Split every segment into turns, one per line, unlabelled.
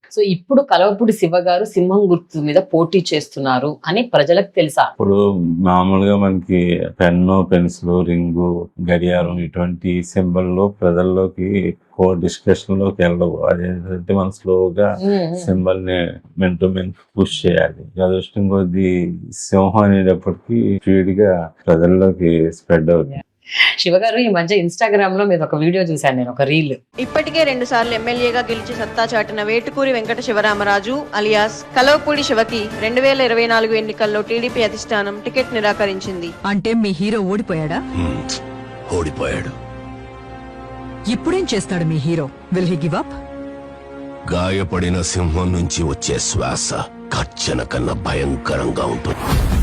So ఇప్పుడు కలవపూడి శివ గారు సింహం గుర్తు మీద పోటీ చేస్తున్నారు అని ప్రజలకు తెలుసా?
ఇప్పుడు మామూలుగా మనకి పెన్ను, పెన్సిల్, రింగు, గడియారం ఇటువంటి సింబల్లో ప్రజల్లోకి డిస్కషన్ లోకి వెళ్ళవు. అదేంటంటే మనం స్లోగా సింబల్ ని మెన్ టు మెన్ పుష్ చేయాలి. అదృష్టం కొద్ది సింహం అనేటప్పటికి స్పీడ్ గా ప్రజల్లోకి స్ప్రెడ్ అవుతుంది.
శివ గారు ఈ మధ్య ఇన్స్టాగ్రామ్ లో మీద ఒక వీడియో చూశాను నేను, ఒక రీల్.
ఇప్పటికే 2 సార్లు ఎమ్మెల్యేగా గెలిచి సత్తా చాటిన వేటుకూరి వెంకట శివరామరాజు అలియాస్ కలవపూడి శివకి 2024 ఎన్నికల్లో టీడీపీ అధిష్టానం టికెట్ నిరాకరించింది.
అంటే మీ హీరో ఓడిపోయాడా?
ఓడిపోయాడు.
ఇప్పుడేం చేస్తాడు మీ hero? Will he give up?
గాయపడిన సింహం నుంచి వచ్చే శ్వాస కచ్చన కన్నా భయంకరంగా ఉంటుంది.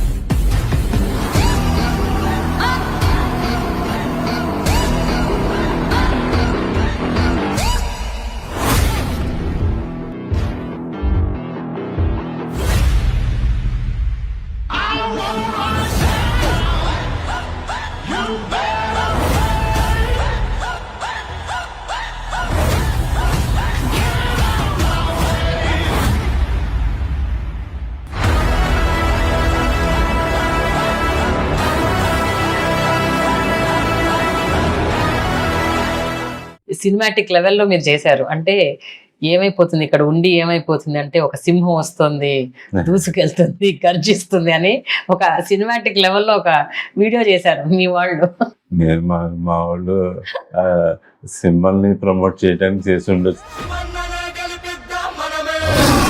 సినిమాటిక్ లెవెల్లో మీరు చేశారు. అంటే ఏమైపోతుంది ఇక్కడ ఉండి, ఏమైపోతుంది అంటే ఒక సింహం వస్తుంది, దూసుకెళ్తుంది, గర్జిస్తుంది అని ఒక సినిమాటిక్ లెవెల్లో ఒక వీడియో చేశారు మీ వాళ్ళు.
నేను మా వాళ్ళు సింబల్ ని ప్రమోట్ చేయడానికి చేసి ఉండొచ్చు.